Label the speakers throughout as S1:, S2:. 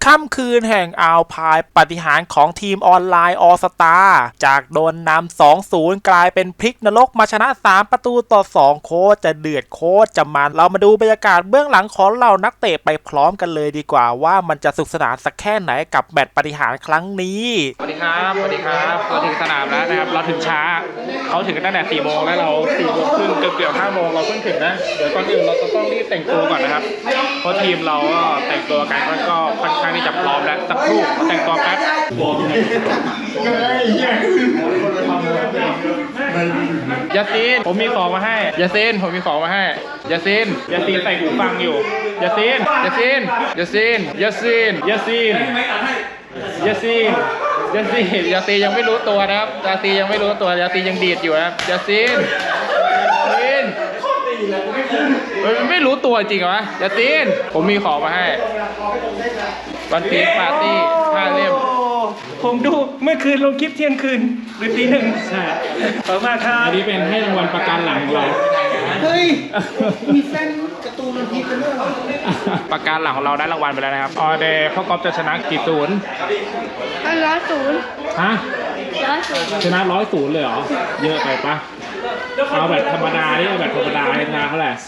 S1: ค่ำคืนแห่งอัลไพน์ปาฏิหาริย์ของทีมออนไลน์ออสตาจากโดนนำ 2-0 กลายเป็นพลิกนรกมาชนะ 3-2 โคตรจะเดือดโคตรจะมันเรามาดูบรรยากาศเบื้องหลังของเหล่านักเตะไปพร้อมกันเลยดีกว่าว่ามันจะสนุกสนานสักแค่ไหนกับแมตช์ปาฏิหาริย์ครั้งนี้สวัสดีครับสวัสดีครับเราถึงสนามแล้วนะครับเราถึงช้าเขาถึงกันตั้งแต่4 โมงแล้วเรา4 โมงครึ่งเกือบ5 โมงเราเพิ่งถึงนะเดี๋ยวก่อนอื่นเราต้องรีบแต่งตัวก่อนนะครับเพราะทีมเราก็แต่งตัวกันก็ค่อนข้างที่จะพร้อมแล้วสักครู่แต่งตัวแป๊บยาซีนผมมีของมาให้ยาซีนผมมีของมาให้ยาซีนใส่หูฟังอยู่ยาซีนยังไม่รู้ตัวนะครับยาซียังไม่รู้ตัวยาซียังดีดอยู่นะครับยาซีนไม่รู้ตัวจริงเหรอยาซีนผมมีของมาให้วันพีชปาร์ตี้5 เล่ม
S2: ผมดูเมื่อคืนลงคลิปเที่ยงคืนหรือตี 1ใช่ขอบคุณมากครับ
S1: อันนี้เป็นให้รางวัลประกันหลังของเรา
S3: เฮ้ยมีแฟนการ์ตูนมันพีกันด้วยเหรอ
S1: ประกันหลังของเราได้รางวัลไปแล้วนะครับออเดย์พ่อกอล์ฟจะชนะกี่ศูนย์
S4: 100
S1: ฮะชนะ100เลยเหรอเยอะไปปะเอาแบบธรรมดาดิเอาแบบธรรมดาชนะเท่าไหร่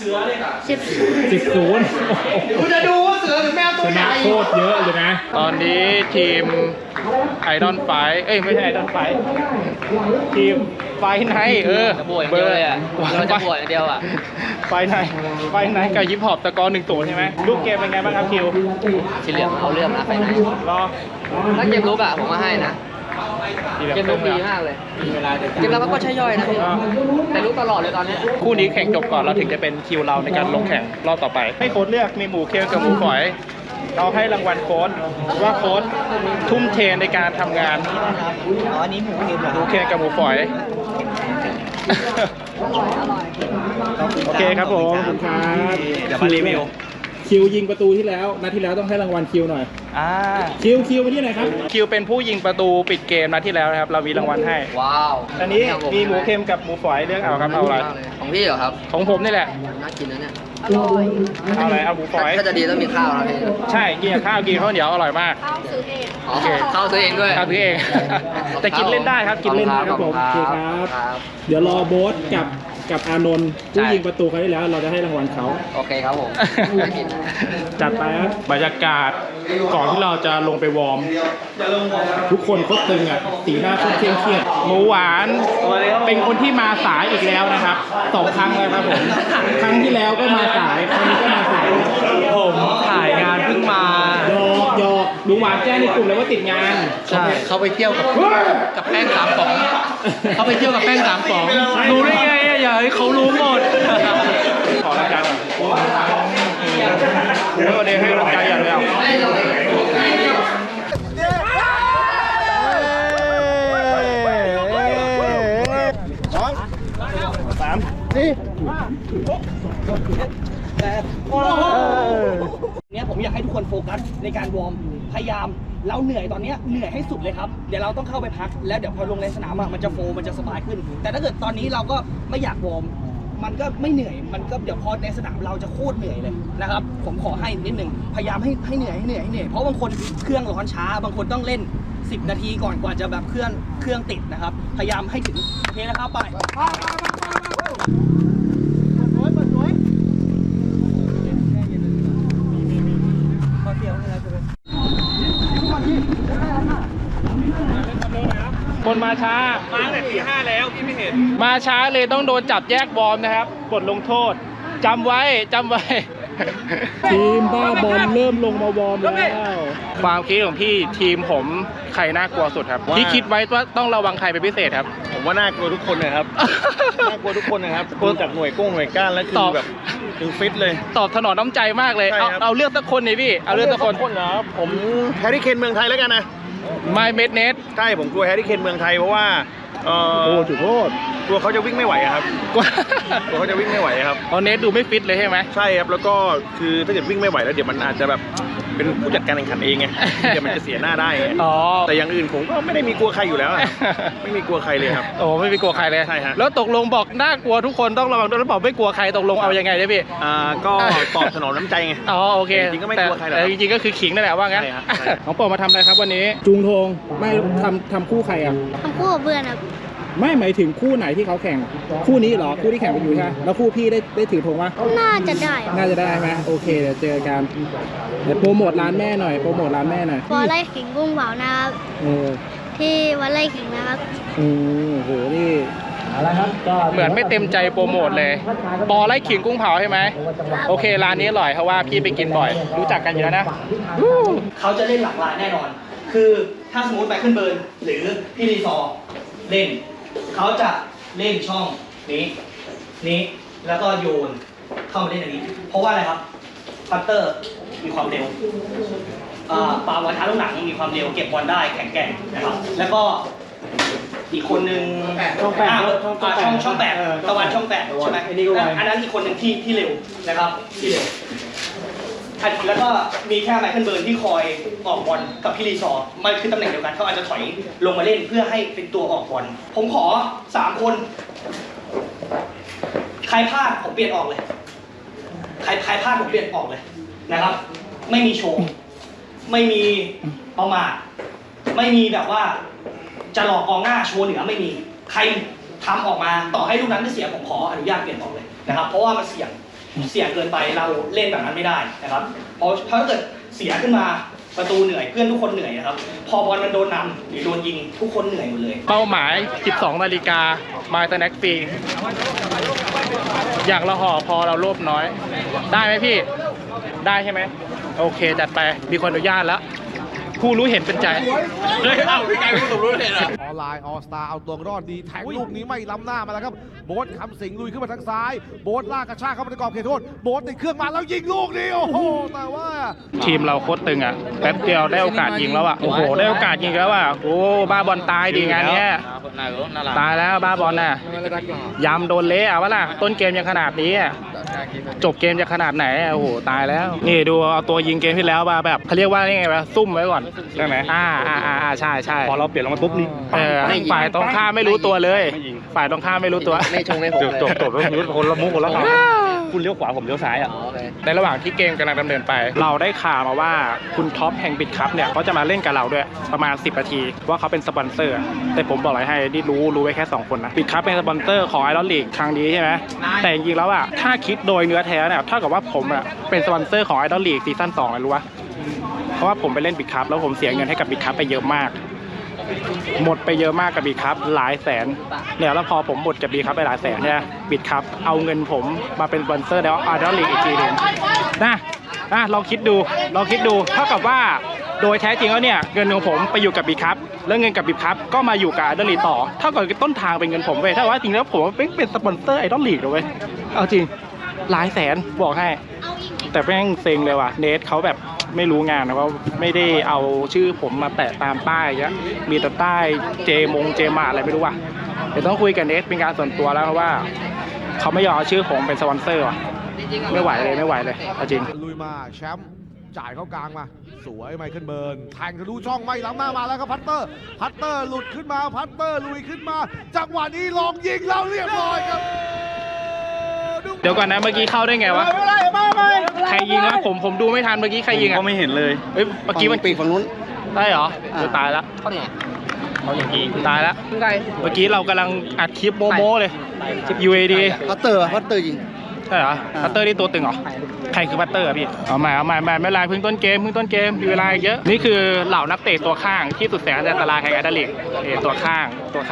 S1: 10
S3: กูจะดูว่าเสือหรือแมวตัว
S1: ใหญ่ชนะโคตรเยอะเลยนะตอนนี้ทีมไอดอลไฟไม่ใช่ไอดอลไฟทีมไฟไนท์
S5: จะบวชเดียวเลยอ่ะเราจะบวชเดียวอ่ะ
S1: ไฟไนท์กับยิปฮอปตะกอ1-0ใช่ไหมลูกเกมเป็นไงบ้างครับคิว
S5: สีเหลืองเอาเรื่องนะไฟไนท์
S1: รอ
S5: ถ้าเกมลุกอ่ะผมมาให้นะเกมลุกดีมากเลยเกมเราก็ใช่ย่อยนะพี่แต่ลุกตลอดเลยตอนนี้
S1: คู่นี้แข่งจบก่อนเราถึงจะเป็นคิวเราในการลงแข่งรอบต่อไปให้โค้ชเลือกมีหมูเคียวกับหมูฝอยเราให้รางวัลโค้ชว่าโค้ชทุ่มเทในการทำงาน
S3: อันนี้หมูเค็มเหรอ
S1: หมูเคียวกับหมูฝอยโอเคครับผมขอบคุณครับ
S3: เดี๋ยวมารีวิว
S1: คิวยิงประตูที่แล้วนัดที่แล้วต้องให้รางวัลคิวหน่อยคิวไปที่ไหนครับคิวเป็นผู้ยิงประตูปิดเกมนัดที่แล้วนะครับเรามีรางวัลให้
S5: ว้าว
S1: อันนี้มีหมูเค็มกับหมูฝอยเลือกเอาครับเอาอะไร
S5: ของพี่เหรอครับ
S1: ของผมนี่แหละ
S5: น่ากินนะเนี่ย
S1: เอาอะไรเอาหมูฝอย
S5: ถ้าจะดีต้องมีข้าวนะพี่
S1: ใช่กินข้าวกินข้าวเหนียวอร่อยมาก
S4: ข้าวซื้อเอง
S5: โอเคข้าวซื้อเองด้วย
S1: ข้าวซื้อเองแต่กินเล่นได้ครับกินเล่นได้ครับผมโอเคครับเดี๋ยวรอโบ๊ทกับอานนท์ผู้ยิงประตูเขาได้แล้วเราจะให้รางวัลเขา
S5: โอเคครับผม
S1: จัดไปครับบรรยากาศก่อนที่เราจะลงไปวอร์มทุกคนโคตรตึงอ่ะสีหน้าโคตรเครียดหมูหวานเป็นคนที่มาสายอีกแล้วนะครับ2 ครั้งแล้วครับผมครั้งที่แล้วก็มาสายครั้งนี้ก็มาสาย
S2: ผมถ่ายงานเพิ่งมา
S1: หยอกหมูหวานแจ้งในกลุ่มเลยว่าติดงาน
S5: ใช่เขาไปเที่ยวกับแป้ง3 ป๋องเขาไปเที่ยวกับแป้ง3 ป๋อง
S2: รู้ได้ไงอย่าให้เขารู้หมด
S1: ขอรายการวันนี้ให้รายการอย่างเดียว
S3: เนี่ยผมอยากให้ทุกคนโฟกัสในการวอร์มพยายามเราเหนื่อยตอนนี้เหนื่อยให้สุดเลยครับเดี๋ยวเราต้องเข้าไปพักแล้วเดี๋ยวพอลงในสนามมันจะมันจะสบายขึ้นแต่ถ้าเกิดตอนนี้เราก็ไม่อยากวอร์มมันก็ไม่เหนื่อยมันก็เดี๋ยวพอในสนามเราจะโคตรเหนื่อยเลยนะครับผมขอให้นิดนึงพยายามให้เหนื่อยเพราะบางคนเครื่องร้อนช้าบางคนต้องเล่น10 นาทีก่อนกว่าจะแบบเครื่องติดนะครับพยายามให้ถึงโอเคนะครับไป
S1: คนมาช้า
S2: ตั้งแต่ตี 5แล้วพี่ไม่เห็น
S1: มาช้าเลยต้องโดนจับแยกวอร์มนะครับบทลงโทษจำไว้ทีมบ้าบอลเริ่มลงมาวอร์มแล้วความคิดของพี่ทีมผมใครน่ากลัวสุดครับที่คิดไว้ว่าต้องระวังใครเป็นพิเศษครับ
S2: ผมว่าน่ากลัวทุกคนเลยครับน่ากลัวทุกคนนะครับกลัวจากหน่วยก้านแล้วคือแบบถึงฟิตเลย
S1: ตอบถนอมน้ำใจมากเลยเอาเลือกสักคนเลยพี่เอาเลือกสักคน
S2: นะผมแฮร์รี่เคนเมืองไทยแล้วกันนะ
S1: ไม่เม็ดเน็ต
S2: ใช่ผมกลัวแฮร์รี่เคนเมืองไทยเพราะว่า
S1: จุดโทษ
S2: กลัวเขาจะวิ่งไม่ไหวครับกลัวเขาจะวิ่งไม่ไหวครับ
S1: เน็ตดูไม่ฟิตเลยใช่ไหม
S2: ใช่ครับแล้วก็คือถ้าเกิดวิ่งไม่ไหวแล้วเดี๋ยวมันอาจจะแบบเป็นผู้จัดการแข่งขันเองไงเดี๋ยวมันจะเสียหน้าได้ไง
S1: อ๋อ
S2: แต่อย่างอื่นผมก็ไม่ได้มีกลัวใครอยู่แล้วอะไม่มีกลัวใครเลยครับ
S1: โอ้ไม่มีกลัวใครเลย
S2: ใช่ฮะ
S1: แล้วตกลงบอกน่ากลัวทุกคนต้องระวังด้วยแล้วบอกไม่กลัวใครตกลงเอายังไงเนี่ยพี่
S2: ก็ตอบสนองน้ำใจไง
S1: อ๋อโอเค
S2: จริงๆก็ไม่กลัวใครหรอก
S1: แต่จริงๆก็คือขิงนั่นแหละว่างั้น
S2: ใช่ครับใช่
S1: น้องโปรดมาทำอะไรครับวันนี้จูงธงไม่ทำคู่ใครอ่ะ
S4: ทำคู่กับเพื่อนครับ
S1: ไม่หมายถึงคู่ไหนที่เขาแข่งคู่นี้เหรอคู่ที่แข่งกันอยู่ใช่ไหมแล้วคู่พี่ได้ถือธงปะ
S4: น่าจะได้ครับ
S1: น่าจะได้ไหมโอเคเดี๋ยวเจอกันเดี๋ยวโปรโมทร้านแม่หน่อยโปรโมทร้านแม่หน่อย
S4: พอไล่ขิงกุ้งเผานะครับ
S1: เออ
S4: ที่วัดไล่ขิงนะครับ
S1: โอ้โหนี่เหมือนไม่เต็มใจโปรโมทเลยปอไล่ขิงกุ้งเผาใช่ไหมโอเคร้านนี้อร่อยเพราะว่าพี่ไปกินบ่อย รู้จักกันอยู่แล้วนะ
S3: เขาจะเล่นหลากหลายแน่นอน คือถ้าสมมติไมเคิลเบิร์นหรือพี่รีซอร์เล่น เขาจะเล่นช่องนี้ แล้วก็โยนเข้ามาเล่นอันนี้ เพราะว่าอะไรครับ พัตเตอร์มีความเร็วปาวันท้าลูกหนังมีความเร็ว เก็บบอลได้แข็งแกร่งนะครับ แล้วก็อีกคนนึงช่องแปดตะวันช่องแปดใช่ไหมอันนั้นอีกคนหนึ่งที่เร็วนะครับ ที่เร็ว แล้วก็มีแค่ไมเคิลเบิร์นที่คอยออกบอลกับพี่รีซอร์มันคือตำแหน่งเดียวกันเขาอาจจะถอยลงมาเล่นเพื่อให้เป็นตัวออกบอลผมขอ3คนใครพลาดผมเปลี่ยนออกเลยใครพลาดผมเปลี่ยนออกเลยนะครับ ไม่มีโชว์ไม่มีประมาทไม่มีแบบว่าจะหลอกกองหน้าโชว์เหนือไม่มีใครทำออกมาต่อให้ลูกนั้นไม่เสียผมขออนุญาตเปลี่ยนออกเลยนะครับเพราะว่ามันเสี่ยงเกินไปเราเล่นแบบนั้นไม่ได้นะครับเพราะถ้าเกิดเสียขึ้นมาประตูเหนื่อยเพื่อนทุกคนเหนื่อยนะครับพอบอลมันโดนนำหรือโดนยิงทุกคนเหนื่อยหมดเลยเป้าหมาย 12 นาฬิกามาสแน็คฟรีอยากละห่อพอเราโลภน้อยได้ไหมพี่ได้ใช่ไหมโอเคจัดไปมีคนอนุญาตแล้วผู้รู้เห็นเป็นใจเฮ้ยเอ้าพี่ไก่ผู้สมรู้เห็นเหรอ
S6: ออนไลน์ออสตาเอาตัวรอดดีแทงลูกนี้ไม่ล้ำหน้ามาแล้วครับโบ๊ทคำสิงห์ลุยขึ้นมาทางซ้ายโบ๊ทลากกระชากเข้ามาในกรอบเขตโทษโบ๊ทติดเครื่องมาแล้วยิงลูกนี้โอ้โหแต่ว่า
S1: ทีมเราโคตรตึงอ่ะแป๊บเดียวได้โอกาสยิงแล้วอ่ะโอ้โหได้โอกาสยิงแล้วอ่ะโอ้บ้าบอลตายดีงานเนี้ยตายแล้วบ้าบอลน่ะยำโดนเละอ่ะวะล่ะต้นเกมยังขนาดนี้อ่ะจบเกมจะขนาดไหนอ่ะโอ้โหตายแล้วนี่ดูเอาตัวยิงเกมที่แล้วมาแบบเขาเรียกว่าไงวะซุ่มไว้ก่อนใช่ไหมใช่พอเราเปลี่ยนลงมาปุ๊บนี่ฝ่ายตรงข้ามไม่รู้ตัวเลยฝ่ายตรงข้ามไม่รู้ตัว
S5: ไม่ชงให้ผมเลย
S2: จบแล้วคนละมุกคนละคำคุณเลี้ยวขวาผมเลี้ยวซ้ายอ่ะ
S1: ในระหว่างที่เกมกำลังดำเนินไป เราได้ข่าวมาว่าคุณท็อปแห่งบิดคัพเนี่ยเขาจะมาเล่นกับเราด้วยประมาณ10 นาทีว่าเขาเป็นสปอนเซอร์แต่ผมบอกอะไรให้นี่รู้ไว้แค่2 คนนะบิดคัพเป็นสปอนเซอร์ของไอรอนลีกครั้งนี้ใช่ไหมแต่จริงๆแล้วอ่ะถ้าคิดโดยเนื้อแท้เนี่ยเท่ากับว่าผมอ่ะเป็นสปอนเซอร์ของไอรอนลีกซีซั่น2เลยรู้ปะเพราะว่าผมไปเล่นบิดคัพแล้วผมเสียเงินให้กับบิดคัพไปเยอะมากหมดไปเยอะมากกับบิดคัพหลายแสนเนี่ยแล้วพอผมหมดกับบิดคัพไปหลายแสนเนี่ยบิดคัพเอาเงินผมมาเป็นสปอนเซอร์แล้วไอรอนลีกอีกทีนึงนะลองคิดดูเท่ากับว่าโดยแท้จริงแล้วเนี่ยเงินของผมไปอยู่กับบิดคัพแล้วเงินกับบิดคัพก็มาอยู่กับไอรอนลีกต่อเท่ากับต้นทางเป็นเงินผมเว้ยถ้าว่าจริงแล้วผมเป็นสปอนเซอร์ไอรอนลีกเลยเว้ยเอาจริงหลายแสนบอกให้แต่แม่งเซ็งเลยว่ะเนทเขาแบบไม่รู้งานนะว่าไม่ได้เอาชื่อผมมาแปะตามป้ายเงี้ยมีแต่ป้ายเจมาอะไรไม่รู้ว่ะเดี๋ยวต้องคุยกับเนทเป็นการส่วนตัวแล้วเพราะว่าเขาไม่ยอมเอาชื่อผมเป็นสปอนเซอร์ว่ะไม่ไหวเลยเอาจริง
S6: ลุยมาแชมป์จ่ายเข้ากลางมาสวยไมเคิลเบิร์นแทงทะลุช่องไม่ล้ำหน้ามาแล้วครับพัตเตอร์หลุดขึ้นมาพัตเตอร์ลุยขึ้นมาจังหวะนี้ลองยิงแล้วเรียบร้อยครับ
S1: เดี๋ยวก่อนนะเมื่อกี้เข้าได้ไงวะใครยิงนะผมดูไม่ทันเมื่อกี้ใครยิงอ่ะ
S2: ก็ไม่เห็นเลย
S1: เฮ้ยเมื่อกี้มันปีกฝั่งนู้นได้เหรอตายแล้ว
S5: เขาเนี่ย
S1: ตายแล้ว
S5: คือไง
S1: เมื่อกี้เรากำลังอัดคลิปโมเลย UAD
S7: พัตเตอร์ยิง
S1: ใช่เหรอพัตเตอร์นี่ตัวตึงเหรอใครคือพัตเตอร์อะพี่เอาใหม่ไม่เป็นไรเพิ่งต้นเกมมีเวลาเยอะนี่คือเหล่านักเตะตัวข้างที่สุดแสนอันตรายแห่งไอดอลลีกตัวข้างตัว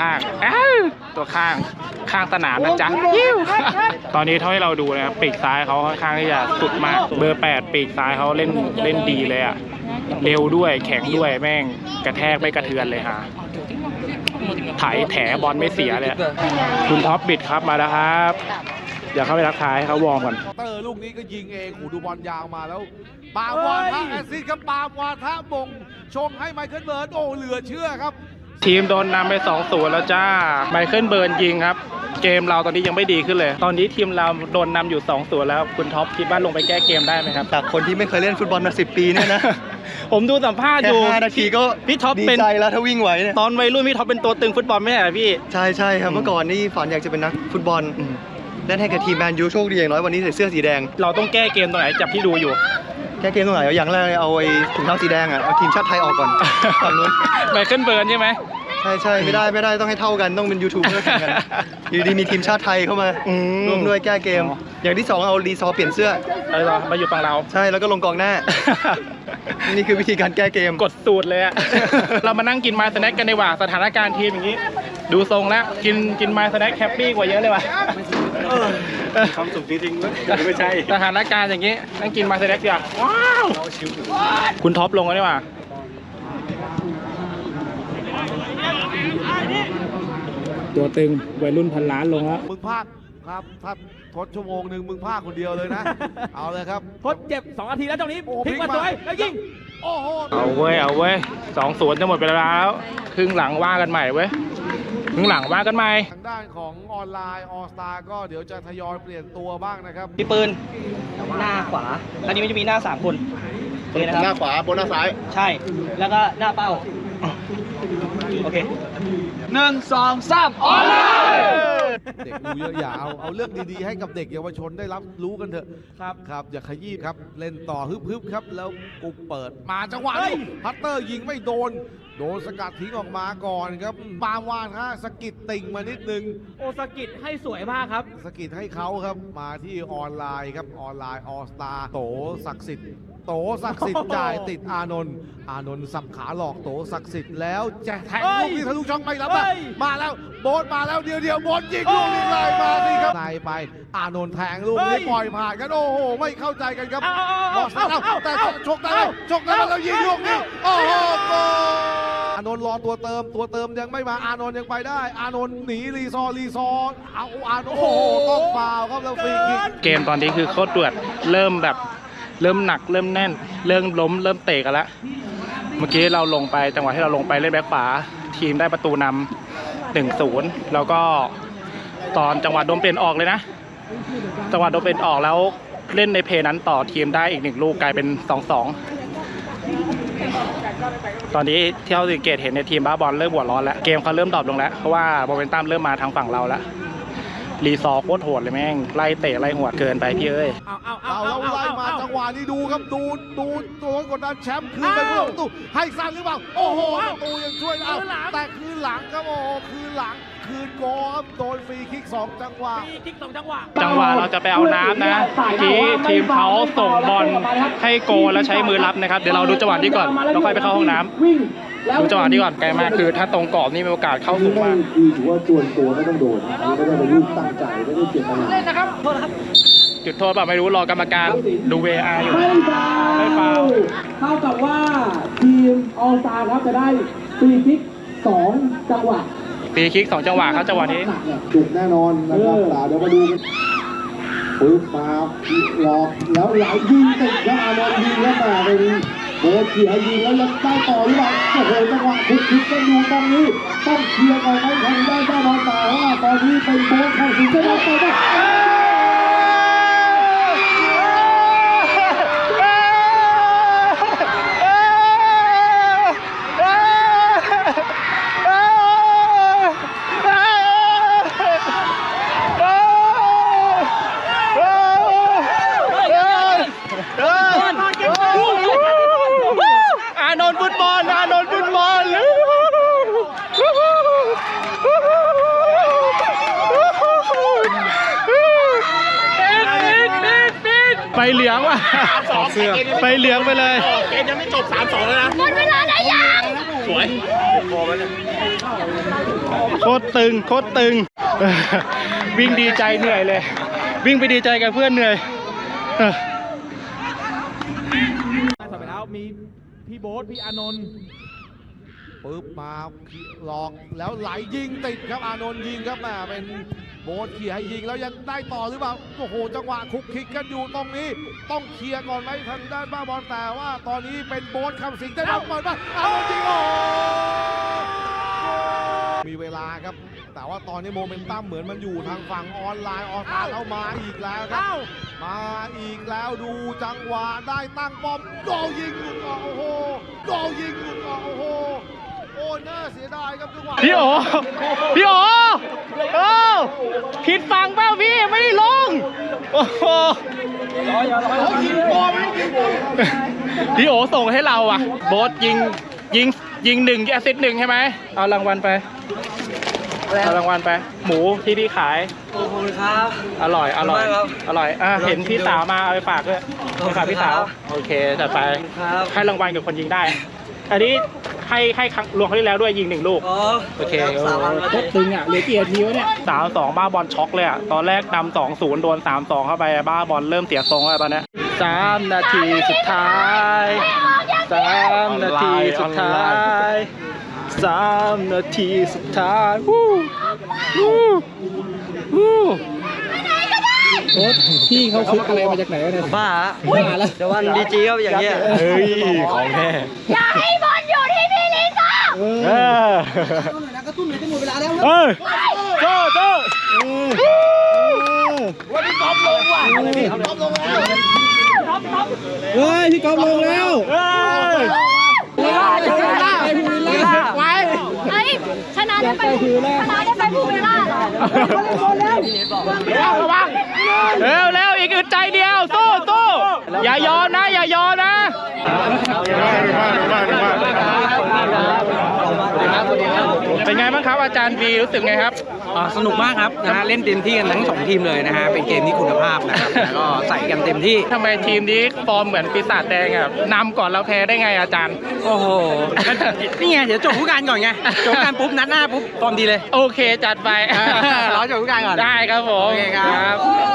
S1: ข้างสนามนะจ๊ะตอนนี้เท่าที่เราดูนะครับปีกซ้ายเขาค่อนข้างที่จะสุดมากเบอร์8ปีกซ้ายเขาเล่นดีเลยอ่ะเร็วด้วยแข็งด้วยแม่งกระแทกไม่กระเทือนเลยฮะแถบอลไม่เสียเลยคุณท็อปบิดครับมาแล้วครับอย่าเข้าไปรักทายให้เขาวอร์มก่อน
S6: เตอร์ลูกนี้ก็ยิงเองดูบอลยาวมาแล้วปามวาทะแอซิดครับปามวาทะมงชงให้ไมเคิลเบิร์นโอ้เหลือเชื่อครับ
S1: ทีมโดนนำไป 2-0 แล้วจ้าไมเคิลเบิร์นยิงครับเกมเราตอนนี้ยังไม่ดีขึ้นเลย ตอนนี้ทีมเราโดนนำอยู่2-0แล้วคุณท็อปคิดว่าลงไปแก้เกมได้ไหมครับ
S2: จากคนที่ไม่เคยเล่นฟุตบอลมา10 ปีเนี่ยนะ
S1: ผมดูสัมภาษณ์
S2: แค่
S1: อยู่
S2: 5 นาทีก็
S1: พี่ท็อป
S2: ดี
S1: เป็น
S2: ใจแล้วถ้าวิ่งไหวเนี่ย
S1: ตอนวัยรุ่นพี่ท็อปเป็นตัวตึงฟุตบอลไม่ใช่เหรอพี่
S2: ใช่ใช่ครับเมื่อก่อนนี่ฝันอยากจะเป็นนักฟุตบอลเล่นให้กับทีมแมนยูโชคดีอย่างน้อยวันนี้ใส่เสื้อสีแดง
S1: เราต้องแก้เกมตรงไหนจากที่ดูอยู่
S2: แก้เกมตรงไหนอย่างแรกเลยเอาไอ้ถุงเท้าสีแดงอ่ะเอาทีมชาติไทยออกก่อนฝั่งนู้น
S1: ไมเคิลเบิร์นใช่ไหม
S2: ใช่ไม่ได้ต้องให้เท่ากันต้องเป็นยูทูบเบอร์แข่งกันอยู่ดีมีทีมชาติไทยเข้ามาร่วมด้วยแก้เกม อย่างที่ 2เอารีซอร์เปลี่ยนเสื้อ
S1: เหรอมาอยู่ฝั่งเรา
S2: ใช่แล้วก็ลงกองหน้า นี่คือวิธีการแก้เกม
S1: กดสูตรเลยอะ เรามานั่งกินไมล์สแน็คกันดีกว่าสถานการณ์ทีมอย่างนี้ ดูทรงแล้วกินไมล์สแน็คแฮปปี้กว่าเยอะเลยว่ะ
S2: ความสุขจริงๆไม่ใช่
S1: สถานการณ์อย่างนี้นั่งกินไมล์สแน็คดีกว่าว้าวคุณท็อปลงแล้วดีกว่าตัวตึงวัยรุ่นพันล้านลงแล้ว
S6: มึงพากครับถ้าทดชั่วโมงหนึ่งมึงพากคนเดียวเลยนะ เอาเลยครับ
S3: ทดเจ็บ2 นาทีแล้วตรงนี้
S6: โอ้
S3: พลิกมาสวยแล้วยิง
S6: โอ้โห
S1: เอาเว้ย2-0จะหมดไปแล้วครึ่งหลังว่ากันใหม่เว้ยครึ่งหลังว่ากันใหม่
S6: ทางด้านของออนไลน์ออสตาก็เดี๋ยวจะทยอยเปลี่ยนตัวบ้างนะครับ
S3: มีปืนหน้าขวาแล้วนี้มันจะมีหน้า3 คนโอเคนะครับ
S2: หน้าขวาบนหน้าซ้าย
S3: ใช่แล้วก็หน้าเป้าโอเค1 2 3ออนไลน์
S6: เด็กรู้เยอะอย่าเอาเรื่องดีๆให้กับเด็กเยาวชนได้รับรู้กันเถอะครับอย่าขยี้ครับเล่นต่อฮึบๆครับแล้วกุกเปิดมาจังหวะนี้พัตเตอร์ยิงไม่โดนสกัดทิ้งออกมาก่อนครับปามวานฮะสกิดติ่งมานิดนึง
S3: โอสกิดให้สวยมากครับ
S6: สกิดให้เขาครับมาที่ออนไลน์ครับออนไลน์ออสตาโตศักดิ์สิทธิ์จ่ายติดอานนท์สับขาหลอกโตศักดิ์สิทธิ์แล้วจะแทงลูกที่ทะลุช่องไม่รับมาแล้วโบสมาแล้วเดียวโบสยิงลูกนี้เลยมาสิครับในไปอานนท์แทงลูกนี้ปล่อยผ่านกันโอ้โหไม่เข้าใจกันครับบอสแต่ชกได้แล้วยิงลูกนี้โอ้โหอานนท์รอตัวเติมยังไม่มาอานนท์ยังไปได้อานนท์หนีรีซอร์เอาอานนท์โอ้โหต้องฟาวครับแล้วฟรีคิก
S1: เกมตอนนี้คือโคตรเดือดเริ่มหนักเริ่มแน่นเริ่มล้มเริ่มเตะกันแล้วเมื่อกี้เราลงไปจังหวะที่เราลงไปเล่นแบ็คขวาทีมได้ประตูนำ 1-0 แล้วก็ตอนจังหวะโดนเปลี่ยนออกเลยนะจังหวะโดนเปลี่ยนออกแล้วเล่นในเพลย์นั้นต่อทีมได้อีก1 ลูกกลายเป็น 2-2 ตอนนี้ที่เราสังเกตเห็นในทีมบ้าบอลเริ่มหัวร้อนแล้วเกมเขาเริ่มดรอปลงแล้วเพราะว่าโมเมนตัมเริ่มมาทางฝั่งเราแล้วรีซอร์โคตรโหดเลยแม่งไล่เตะไล่หัวเกินไปพี่เอ้ย
S6: เอาแล้วไล่มาจังหวะนี้ดูครับดูตัวกดดันแชมป์คืนไปผู้ประตูให้สั้นหรือเปล่าโอ้โหประตูยังช่วยเอาแต่คืนหลังครับโอ้โหคืนหลังคืนโกครับโดนฟรีคิก2 จังหวะ
S1: จังหวะเราจะไปเอาน้ำนะที่ทีมเขาส่งบอลให้โกแล้วใช้มือรับนะครับเดี๋ยวเราดูจังหวะนี้ก่อนแล้วค่อยไปเข้าห้องน้ำดูจังหวะนี้ก่อนไกลมากคือถ้าตรงกรอบนี่มีโอกาสเข้าสูงมาก
S7: คือถือว่าส่วนตัวไม่ต้องโดนอันนี้ไม่ได้เป็นลูกตั้งใจไม่ได้เจตนา
S1: จุดโทษแบบไม่รู้รอกรรมการดู VAR อยู่ไม่ฟาวล์
S7: เท่ากับว่าทีมออลสตาร์ครับจะได้ฟรีคิก2 จังหวะ
S1: ฟรีคิก2 จังหวะครับจังหวะนี้
S7: จุกแน่นอนนะครับเดี๋ยวมาดูกันปึ๊บมาหลอกแล้วไหลยิงติดครับอานนท์ยิงแล้วแต่เป็นโบเขียยิงแล้วยังได้ต่อหรือเปล่าโอ้โหจังหวะคุกคิกกันอยู่ตรงนี้ต้องเคลียร์ก่อนไหมทางด้านบ้านออลสตาร์ว่าตอนนี้เป็นโบเข้าสิงจะได้ต่อไหม
S1: อานนท์ฟุตบอลไปเหลืองว่ะไปเหลืองไปเลยเกมยังไม่จบ 3-2 แล้วนะหมดเวลาได้ยังสวยโคตรตึงวิ่งดีใจเหนื่อยเลยวิ่งไปดีใจกับเพื่อนเหนื่อย
S3: ต่อไปแล้วมีพี่โบ๊ทพี่อานนท์
S6: ปึ๊บมาหลอกแล้วไหลยิงติดครับอานนท์ยิงครับแหมเป็นโบสเขี่ยให้ยิงแล้วยังได้ต่อหรือเปล่าโอ้โหจังหวะคุกคิกกันอยู่ตรงนี้ต้องเคลียร์ก่อนไหมทางด้านบ้าบอลแต่ว่าตอนนี้เป็นโบสคำสิงจะรับเปิดมาอานนท์ยิงโอ้มีเวลาครับแต่ว่าตอนนี้โมเมนตัมเหมือนมันอยู่ทางฝั่งออนไลน์ออกมาเข้ามาอีกแล้วครับมาอีกแล้วดูจังหวะได้ตั้งป้อมโกยิงลูกโอ้โหโกยิงลูกโอ้โหโอ้น่าเสียดายครับจังหวะ
S1: พี่โอผิดฝั่งเปล่าพี่ไม่ได้ลงโอ้โหพี่โอส่งให้เราอ่ะโบ๊ทยิง1แอสซิสต์1ใช่ไหมเอารางวัลไปหมูที่พี่ขายขอบคุณครับอร่อยเห็นพี่สาวมาเอาไปฝากด้วยไปฝากพี่สาวโอเคจัดไปให้รางวัลกับคนยิงได้อันนี้ให้รวมเขาที่แล้วด้วยยิง1 ลูกโอเคโคตรตึงอ่ะเหลือกี่นาทีวะเนี่ย3-2บ้าบอลช็อกเลยอ่ะตอนแรกนำ 2-0 โดน 3-2 เข้าไปบ้าบอลเริ่มเสียทรงแล้วตอนนี้3 นาทีสุดท้าย3 นาทีสุดท้าย3 นาทีสุดท้ายโอ๊ตพี่เขาคึกอะไรมาจากไหนเนี่ยบ้าแล้วแต่ว่าดีจีก็อย่างเงี้ยเฮ้ยของแท้อย่าให้บอลอยู่ที่พี่ลิซ่ากระตุ้นหน่อยจะหมดเวลาแล้วโจ้วันนี้กอล์ฟลงว่ะพี่กอล์ฟลงแล้วพี่กอล์ฟลงแล้ว
S4: ชนะได้ไปภูวิลล่าเหรอ
S1: ระวังเร็วอีกอึดใจเดียวสู้อย่ายอมนะเป็นไงบ้างครับอาจารย์บีรู้สึกไงครับ
S8: สนุกมากครับนะฮะเล่นเต็มที่กันทั้ง2ทีมเลยนะฮะเป็นเกมที่คุณภาพนะครับแล้วก็ใส่กันเต็มที่
S1: ทำไมทีมนี้ฟอร์มเหมือนปีศาจแดงอ่ะนำก่อนเราแพ้ได้ไงอาจารย์
S8: โอ้โหนี่ไงเดี๋ยวจบผู้การก่อนไงจบผู้การปุ๊บนัดหน้าปุ๊บฟอร์มดีเลย
S1: โอเคจัดไป
S8: รอจบผู้การก่อน
S1: ได้ครับผม
S8: โอเคครับ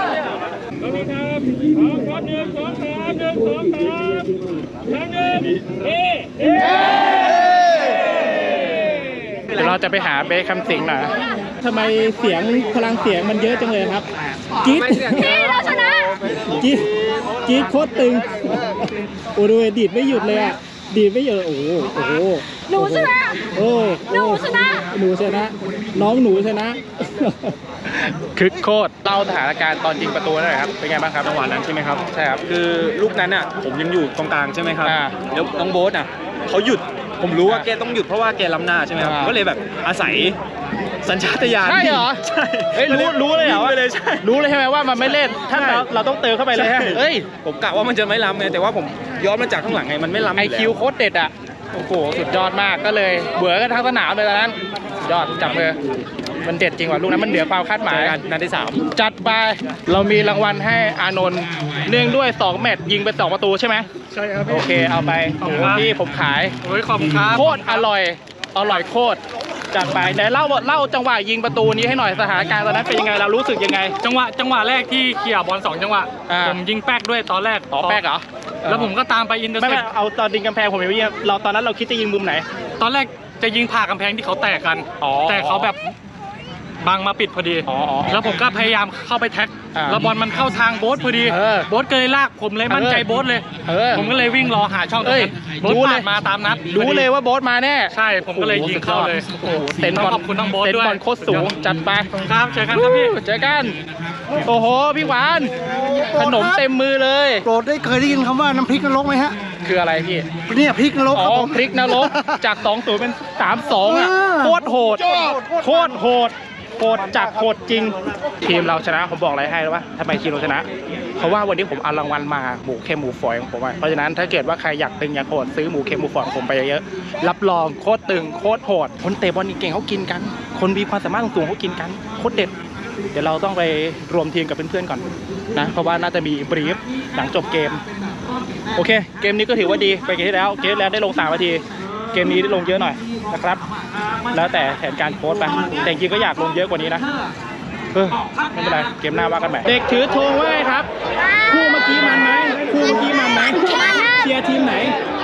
S1: เดี๋ยวเราจะไปหาเบคคำสิงหน่อยทำไมเสียงพลังเสียงมันเยอะจังเลยครับจี๊ด
S4: นี่เราชนะ
S1: จี๊ดโคตรตึงโอ้ดูดีดไม่หยุดเลยอ่ะดีดไม่หยุดโอ้โห
S4: หนูชนะหนูชนะ
S1: น้องหนูชนะคึกโคตรเล่าสถานการณ์ตอนยิงประตูหน่อยครับเป็นไงบ้างครับจังหวะนั้นใช่ไหมครับใช่ครับ
S9: คือลูกนั้นอ่ะผมยังอยู่ตรงกลางใช่ไหมครับแล้วน้องโบ๊ทอ่ะเขาหยุดผมรู้ว่าแกต้องหยุดเพราะว่าแกล้ำหน้าใช่ไหมครับก็เลยแบบอาศัยสัญชาตญาณ
S1: ใช่เหรอ
S9: ใช่
S1: รู้เลยเหรอ
S9: ใช่
S1: รู้เลยใช่ไหมว่ามันไม่เล่นถ้าเราต้องเติมเข้าไปเลยเฮ้ย
S9: ผมกะว่ามันจะไม่ล้ำไงแต่ว่าผมย้อนมาจากข้างหลังไงมันไม่ล้ำ
S1: IQ โคตรเด็ดอ่ะโอ้โหสุดยอดมากก็เลยเบื่อกันทั้งสนามเลยตอนนั้นยอดจับเลยมันเด็ดจริงว่ะลูกนั้นมันเหนือความคาดหมาย
S9: นัดที่
S1: 3จัดไปเรามีรางวัลให้อานนท์เนื่องด้วย2แมตช์ยิงไป2 ประตูใช่ไหม
S9: ใช่ครับ
S1: โอเคเอาไปที่ผมขาย
S9: ขอบคุณครับ
S1: โคตรอร่อยโคตรจัดไปไหนเล่าจังหวะยิงประตูนี้ให้หน่อยสถานการณ์ตอนนั้นเป็นยังไงเรารู้สึกยังไง
S9: จังหวะแรกที่เคลียร์บอล2 จังหวะผมยิงแป๊กด้วยตอนแรก
S1: แป๊กเหรอ
S9: แล้วผมก็ตามไปอินเตอร์เซ็ป
S1: ไม่เอาตอนดิงกำแพงผมไม่ยิงเราตอนนั้นเราคิดจะยิงมุมไหน
S9: ตอนแรกจะยิงผ่ากำแพงที่เขาแตกกันแต่เขาแบบบังมาปิดพอดีแล้วผมก็พยายามเข้าไปแท็กแล้วบอลมันเข้าทางโบ๊ทพอดีโบ๊ทก็เลยลากผมเลยมั่นใจโบ๊ทเลยผมก็เลยวิ่งรอหาช่องตรงนั้นโบ๊ทผ่านมาตามนัด
S1: รู้เลยว่าโบ๊ทมาแน่
S9: ใช่ผมก็เลยยิงเข้าเลย
S1: เต็นบอล
S9: ขอบคุณน้องโบ๊ทด้วย
S1: เต็นบอลโคตรสูงจัดไป
S9: ครับเจอกันครับพี่
S1: เจอกันโอ้โหพี่หวานขนมเต็มมือเลย
S8: โปรดเคยได้ยินคำว่าน้ำพริกนรกไหมฮะ
S1: คืออะไรพี่
S8: เนี่ยพริกนรก
S1: พริกนรกจาก 2-0 เป็น 3-2 อ่ะโคตรโหดโหดจัดโหดจริงทีมเราชนะผมบอกอะไรให้แล้วว่าทำไมทีมเราชนะเพราะว่าวันนี้ผมเอารางวัลมาหมูเค็มหมูฝอยของผมเพราะฉะนั้นถ้าเกิดว่าใครอยากตึงอยากโหดซื้อหมูเค็มหมูฝอยของผมไปเยอะๆรับรองโคตรตึงโคตรโหดคนเตะบอลเก่งเขากินกันคนมีความสามารถสูงเขากินกันโคตรเด็ดเดี๋ยวเราต้องไปรวมทีมกับเพื่อนๆก่อนนะเพราะว่าน่าจะมีบรีฟหลังจบเกมโอเคเกมนี้ก็ถือว่าดีไปเกมที่แล้วได้ลง3 นาทีเกมนี้ได้ลงเยอะหน่อยนะครับแล้วแต่แผนการโค้ชไปแต่จริงก็อยากลงเยอะกว่านี้นะไม่เป็นไรเกมหน้าว่ากันใหม่เด็กถือธงว่าไงครับคู่เมื่อกี้มันไหมเชียร์ทีมไหน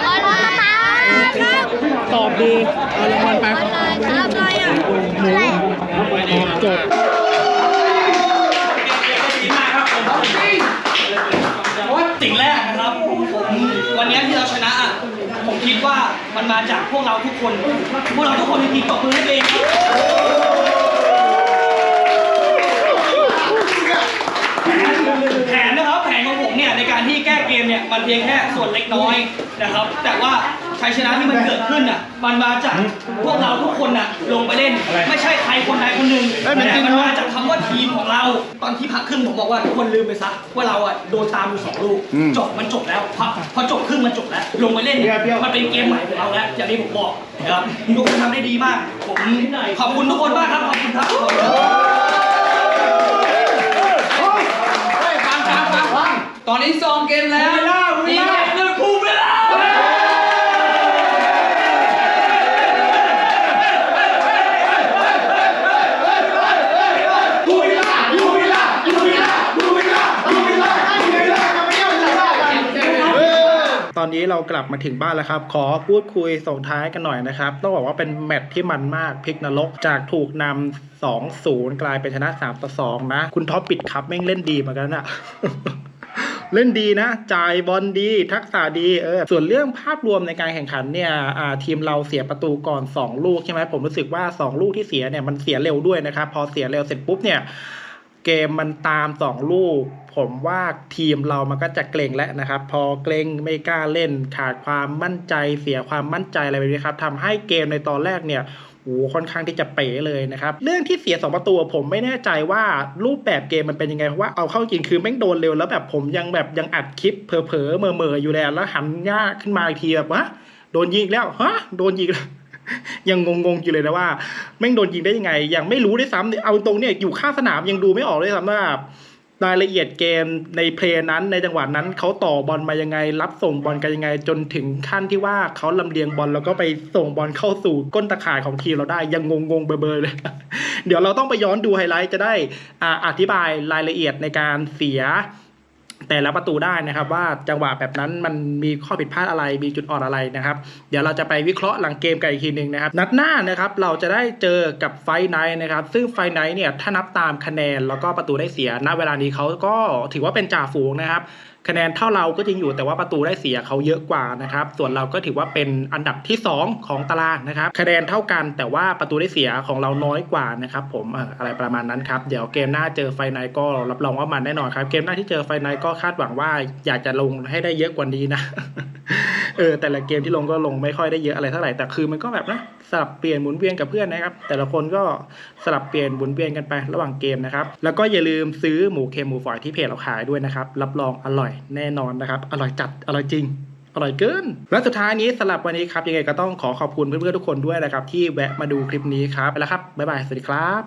S1: ตอบดีเอารางวัลไปหมูจบ
S3: สิ่งแรกนะครับวันนี้ที่เราชนะผมคิดว่ามันมาจากพวกเราทุกคนจริงๆตบมือให้ตัวเองแผนนะครับแผนของผมเนี่ยในการที่แก้เกมเนี่ยมันเพียงแค่ส่วนเล็กน้อยนะครับแต่ว่าชัยชนะที่มันเกิดขึ้นอ่ะมันมาจากพวกเราทุกคนอ่ะลงไปเล่นไม่ใช่ใครคนใดคนหนึ่งแต่มันมาจากคำว่าทีมของเราตอนที่พักครึ่งผมบอกว่าทุกคนลืมไปซะว่าเราอ่ะโดนตามอยู่2 ลูกจบแล้วพอจบครึ่งมันจบแล้วลงไปเล่นมันเป็นเกมใหม่ของเราแล้วอย่างที่ผมบอกนะครับทุกคนทำได้ดีมากผมขอบคุณทุกคนมากครับขอบคุณครับ
S5: ตอนนี้ซองเกมแล้วดีมากเลยภูมิเวลา
S1: ตอนนี้เรากลับมาถึงบ้านแล้วครับขอพูดคุยส่งท้ายกันหน่อยนะครับต้องบอกว่าเป็นแมตช์ที่มันมากพลิกนรกจากถูกนำ 2-0 กลายเป็นชนะ 3-2 นะคุณท็อปปิดครับแม่งเล่นดีเหมือนกันนะ เล่นดีนะจ่ายบอลดีทักษะดีส่วนเรื่องภาพรวมในการแข่งขันเนี่ยทีมเราเสียประตูก่อน2 ลูกใช่ไหมผมรู้สึกว่า2 ลูกที่เสียเนี่ยมันเสียเร็วด้วยนะครับพอเสียเร็วเสร็จปุ๊บเนี่ยเกมมันตาม2 ลูกผมว่าทีมเรามันก็จะเกรงแล้วนะครับพอเกรงไม่กล้าเล่นขาดความมั่นใจเสียความมั่นใจอะไรแบบนี้ครับทำให้เกมในตอนแรกเนี่ยค่อนข้างที่จะเป๋เลยนะครับเรื่องที่เสีย2 ประตูผมไม่แน่ใจว่ารูปแบบเกมมันเป็นยังไงเพราะว่าเอาเข้าจริงคือแม่งโดนเร็วแล้วแบบผมยังอัดคลิปเผลอๆเม่อๆอยู่แล้วหันหน้าขึ้นมาอีกทีแบบวะโดนยิงแล้วฮะโดนยิงแล้ว ยังงงอยู่เลยนะว่าแม่งโดนยิงได้ยังไงยังไม่รู้ด้วยซ้ำเอาตรงเนี่ยอยู่ข้างสนามยังดูไม่ออกเลยซ้ำว่ารายละเอียดเกมในเพลย์นั้นในจังหวะนั้นเขาต่อบอลมายังไงรับส่งบอลกันยังไงจนถึงขั้นที่ว่าเขาลำเลียงบอลแล้วก็ไปส่งบอลเข้าสู่ก้นตะข่ายของทีมเราได้ยังงงเบอร์เลย เดี๋ยวเราต้องไปย้อนดูไฮไลท์จะได้อธิบายรายละเอียดในการเสียแต่ละประตูได้นะครับว่าจังหวะแบบนั้นมันมีข้อผิดพลาดอะไรมีจุดอ่อนอะไรนะครับเดี๋ยวเราจะไปวิเคราะห์หลังเกมกันอีกทีนึงนะครับนัดหน้านะครับเราจะได้เจอกับไฟท์ไนท์นะครับซึ่งไฟท์ไนท์เนี่ยถ้านับตามคะแนนแล้วก็ประตูได้เสียณเวลานี้เขาก็ถือว่าเป็นจ่าฝูงนะครับคะแนนเท่าเราก็จริงอยู่แต่ว่าประตูได้เสียเขาเยอะกว่านะครับส่วนเราก็ถือว่าเป็นอันดับที่2ของตารางนะครับคะแนนเท่ากันแต่ว่าประตูได้เสียของเราน้อยกว่านะครับผมอะไรประมาณนั้นครับเดี๋ยวเกมหน้าเจอไฟไนท์ก็รับรองว่ามันแน่นอนครับเกมหน้าที่เจอไฟไนท์ก็คาดหวังว่าอยากจะลงให้ได้เยอะกว่านี้นะ แต่ละเกมที่ลงก็ลงไม่ค่อยได้เยอะอะไรเท่าไหร่แต่คือมันก็แบบนะสลับเปลี่ยนหมุนเวียนกับเพื่อนนะครับแต่ละคนก็สลับเปลี่ยนหมุนเวียนกันไประหว่างเกมนะครับแล้วก็อย่าลืมซื้อหมูเค็มหมูฝอยที่เพจเราขายด้วยนะครับรับรองอร่อยแน่นอนนะครับอร่อยจัดอร่อยจริงอร่อยเกินและสุดท้ายนี้สำหรับวันนี้ครับยังไงก็ต้องขอขอบคุณเพื่อนๆทุกคนด้วยนะครับที่แวะมาดูคลิปนี้ครับไปแล้วครับบ๊ายบายสวัสดีครับ